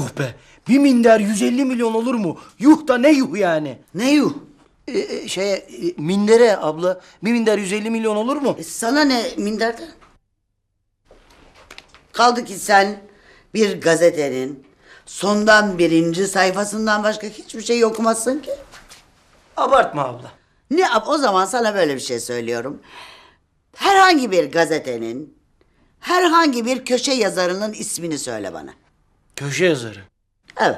Yuh be. Bir minder 150 milyon olur mu? Yuh da ne yuh yani? Ne yuh? Mindere abla. Bir minder 150 milyon olur mu? Sana ne minderden? Kaldı ki sen bir gazetenin sondan birinci sayfasından başka hiçbir şey okumazsın ki. Abartma abla. O zaman sana böyle bir şey söylüyorum. Herhangi bir gazetenin, herhangi bir köşe yazarının ismini söyle bana. Köşe yazarı. Evet.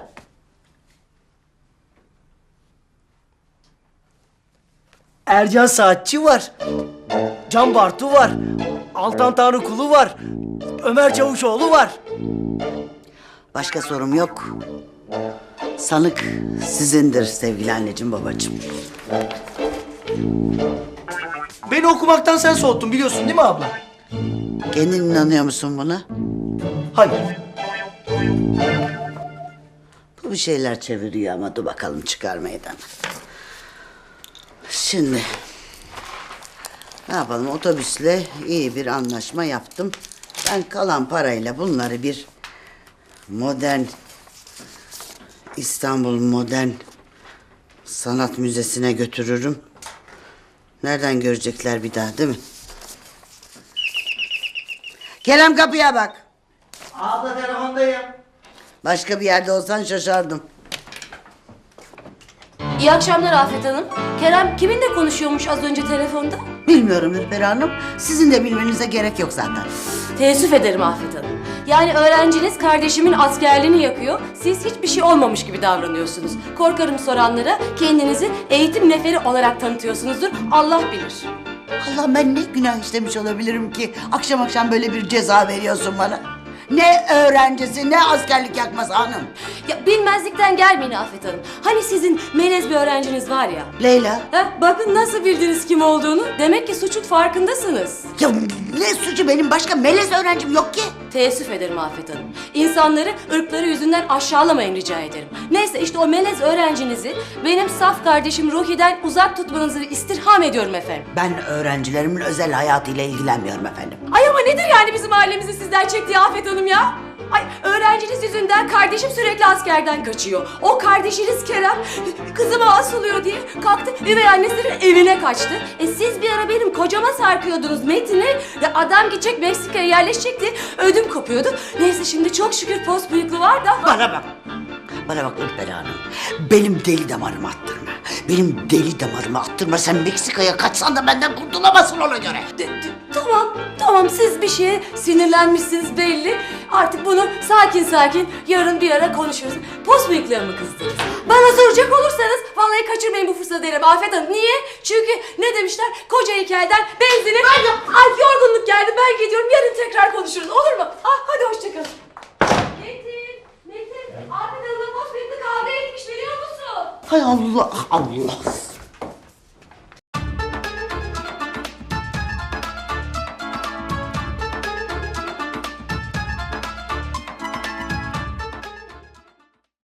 Ercan Saatçi var. Can Bartu var. Altan Tanrıkulu var. Ömer Çavuşoğlu var. Başka sorum yok. Sanık sizindir sevgili anneciğim babacığım. Beni okumaktan sen soğuttun biliyorsun değil mi abla? Kendin inanıyor musun buna? Hayır. Bu bir şeyler çeviriyor ama dur bakalım çıkar meydana. Şimdi ne yapalım, otobüsle iyi bir anlaşma yaptım. Ben kalan parayla bunları bir modern İstanbul Modern Sanat Müzesi'ne götürürüm. Nereden görecekler bir daha değil mi? Kerem kapıya bak. Abla telefondayım. Başka bir yerde olsan şaşardım. İyi akşamlar Afet Hanım. Kerem kiminle konuşuyormuş az önce telefonda? Bilmiyorum Ürper Hanım. Sizin de bilmenize gerek yok zaten. Teessüf ederim Afet Hanım. Yani öğrenciniz kardeşimin askerliğini yakıyor. Siz hiçbir şey olmamış gibi davranıyorsunuz. Korkarım soranlara kendinizi eğitim neferi olarak tanıtıyorsunuzdur. Allah bilir. Allah, ben ne günah işlemiş olabilirim ki akşam akşam böyle bir ceza veriyorsun bana? Ne öğrencisi ne askerlik yakması hanım. Ya bilmezlikten gelmeyin Afet Hanım. Hani sizin melez bir öğrenciniz var ya. Leyla. Bakın nasıl bildiniz kim olduğunu. Demek ki suçun farkındasınız. Ya ne suçu, benim başka melez öğrencim yok ki. Teessüf ederim Afet Hanım. İnsanları ırkları yüzünden aşağılamayın rica ederim. Neyse işte o melez öğrencinizi benim saf kardeşim Ruhi'den uzak tutmanızı istirham ediyorum efendim. Ben öğrencilerimin özel hayatıyla ilgilenmiyorum efendim. Ay ama nedir yani bizim ailemizin sizden çektiği Afet Hanım ya? Ay öğrenciniz yüzünden kardeşim sürekli askerden kaçıyor. O kardeşiniz Kerem kızıma asılıyor diye kalktı üvey annesinin evine kaçtı. Siz bir ara benim kocama sarkıyordunuz Metin'e. Adam gidecek Meksika'ya yerleşecekti. Ödüm kopuyordu. Neyse şimdi çok şükür post bıyıklı var da. Bana bak. Bana bak Ürper Hanım. Benim deli damarımı attırma. Benim deli damarımı attırma. Sen Meksika'ya kaçsan da benden kurtulamazsın ona göre. Tamam siz bir şeye sinirlenmişsiniz belli. Artık bunu sakin yarın bir ara konuşuruz. Post bıyıklarımı kızdınız. Bana soracak olursanız vallahi kaçırmayın bu fırsatı derim Afet Hanım. Niye? Çünkü ne demişler? Koca heykelden benzini... Ay yorgunluk geldi ben gidiyorum. Yarın tekrar konuşuruz olur mu? Hadi hoşçakalın. Metin, Afet Hanım'la post bıyıklı kavga etmiş biliyor musun? Hay Allah Allah.